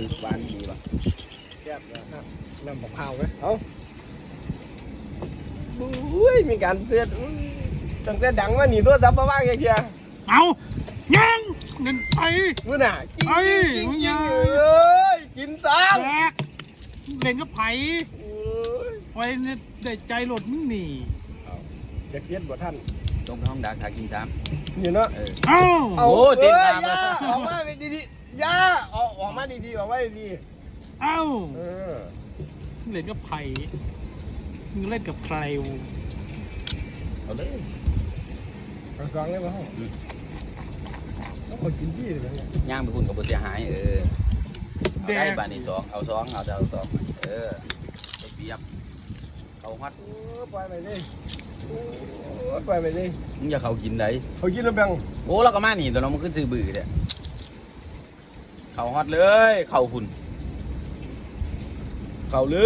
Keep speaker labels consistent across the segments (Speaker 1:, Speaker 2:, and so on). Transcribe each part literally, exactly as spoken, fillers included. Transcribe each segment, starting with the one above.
Speaker 1: คือหวานดีป่ะ
Speaker 2: แซ่บนะครับน้ำมะพร้าวไหมเอ้าอุ้ยมีการเตือนตั้งแต่ดังมาหนีตัวซับมาบ้างไงเชีย
Speaker 3: เอายังเงินไป
Speaker 2: มึงน่ะจริง
Speaker 3: ไอ้
Speaker 2: จริง
Speaker 3: มึง
Speaker 2: จริ
Speaker 3: ยัง ง
Speaker 2: เอ้ยกินซ้
Speaker 3: แจกเล่นกับไผ่
Speaker 2: ำเอ้ย
Speaker 3: ไว้เนี่ยได้ใจหลดมึงหนี
Speaker 2: จะเกียดบ่ท่าน
Speaker 1: ตรงไปห้องดักหากินซ้
Speaker 2: นี่เนาะ
Speaker 1: ำเออ
Speaker 3: เอ้า
Speaker 2: เอา
Speaker 1: โอ้ติด
Speaker 2: เอ้ย
Speaker 1: ตาม
Speaker 2: ย่า
Speaker 1: แล้ว
Speaker 2: ออกมาดีๆย่าออกออกมาดีๆออกมาดี
Speaker 3: เอ้า
Speaker 2: ๆเออ
Speaker 3: เล่นกับไผ่มึงเล่นกับใครวะ
Speaker 1: เอาเลย
Speaker 2: เอาสองเลยมาห้องต้องคนกินที่เลยเนี่ย
Speaker 1: ย่างไปคุณกับบุเสียหายเออเอาได้บาทนี่สองเอาสองเอาเอาสองเออไปเปรียบเอาฮัด
Speaker 2: โอ้ปล่อยไปดิโอ้ปล่อยไปดิ
Speaker 1: มึงอย่าเขากินได้
Speaker 2: เขากินแล้วแบ่ง
Speaker 1: โอ้เราก็มาหนีตัวเรามันขึ้นซื้อบื้อเนี่ยเขาฮัดเลยเข่าคุณเข่าเลย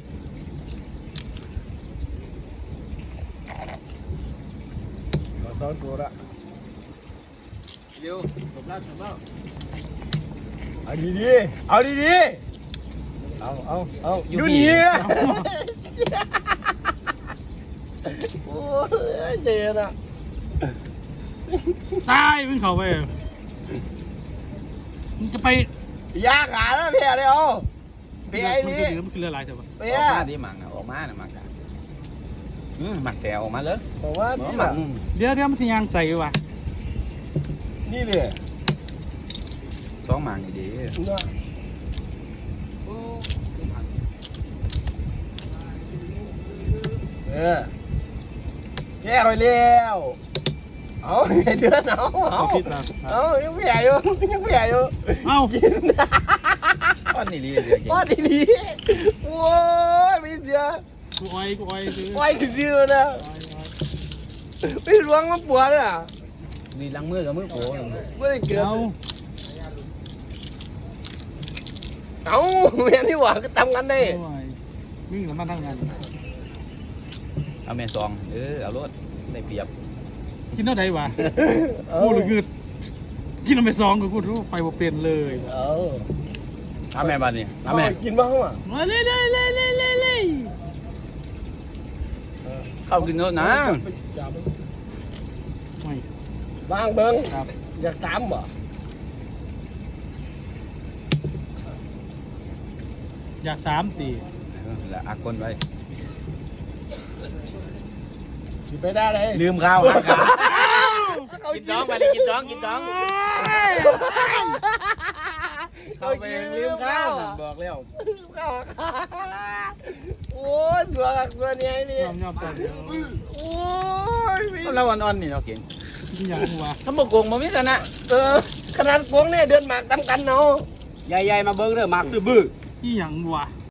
Speaker 2: เอาสองตัวละ
Speaker 1: เดี๋ยวจบแล้วจบแล้ว
Speaker 2: เอาดีๆเอาดีๆเอาเอาเอาอยู่นี่โอ้ยเจนอ่ะ
Speaker 3: ตายมึงเข้าไปมึงจะไป
Speaker 2: ยากอ่ะนะเพียเลยเอาเพียไอ้
Speaker 3: มึง
Speaker 2: นี่
Speaker 3: จะเหลือมันคือเรืออะไรแต่ว่า
Speaker 2: เพี
Speaker 1: อย อกมาดิหมังอะออกมาน่ะหมังกันอืมหมักแกออกมาเลย
Speaker 2: บอกว่า
Speaker 1: หมั
Speaker 2: นี่
Speaker 1: หมั
Speaker 2: แหละ
Speaker 1: ก
Speaker 3: เดี๋ยวเดี๋ยวมันจะยางใส่ว่ะ
Speaker 2: นี่เลย
Speaker 1: สองหมังนี่ดี
Speaker 2: เนาะเออแย่ไปเร็วเอาไงเดือนเอาเอา
Speaker 3: คิดนะ
Speaker 2: เอายังไม่ใหญ่อยู่ยังไม่ใหญ่อยู่
Speaker 3: เอ้า
Speaker 2: กิน
Speaker 1: ก้อนนี่ดีเดียวกิน
Speaker 2: ป้อนดีๆโอ้ยไม่เสีย
Speaker 3: กูอ้อยกูอ้อยคือ
Speaker 2: ไว้ถึงยืนนะไม่หลวงมันปวดอ่ะ
Speaker 1: นี่ล้างมือกับมือโผล่
Speaker 2: ไม่ได้เกิด
Speaker 3: เอา
Speaker 2: เอาแม่นี่หว่าก็ทำกันได้
Speaker 3: โอ้ยวิ่งแล้วมาทำงาน
Speaker 1: เอาแม่ซองเออเอารถได้เปรียบ
Speaker 3: กินเท่าไหร่วะ
Speaker 2: เอา
Speaker 3: กูหรือคือกินเอาไปซองกับกูรู้ไปบ่เป็นเลย
Speaker 2: เอา
Speaker 1: เอาแม่บ้านนี่เอา
Speaker 2: เอา
Speaker 1: แม่
Speaker 2: กินบ้างอ่ะ
Speaker 3: มาเลยเลยเลยเลยเลยเลย
Speaker 1: เข้ากินรถนะ
Speaker 3: ไม่
Speaker 2: บางเบิ้ง
Speaker 3: ครับ
Speaker 2: อยากตามบ่
Speaker 3: อยากสามตี
Speaker 1: ละอักคนไว้
Speaker 2: กินไปได้เลย
Speaker 1: ลืมข้าวหาขากินจ้องไปเลยกินจ้องกินจ้องเข้าไปลืมข้าวบอกแล้ว
Speaker 2: ข้าวโอ้ยตัวตัวนี้นี่
Speaker 3: ยอมยอมตัวเดียว
Speaker 2: โอ้ย
Speaker 1: เราอ่อนๆนี่เราเก่ง
Speaker 3: กินอย่างหัว
Speaker 1: ถ้าบกโกงมามิกันนะ
Speaker 2: เออขนาดพวงเนี่ยเดินหมากตามกันเนาะ
Speaker 1: ใหญ่ๆมาเบิ้งเด้อหมักซื้อบื้อ
Speaker 3: ที่อย่างหัว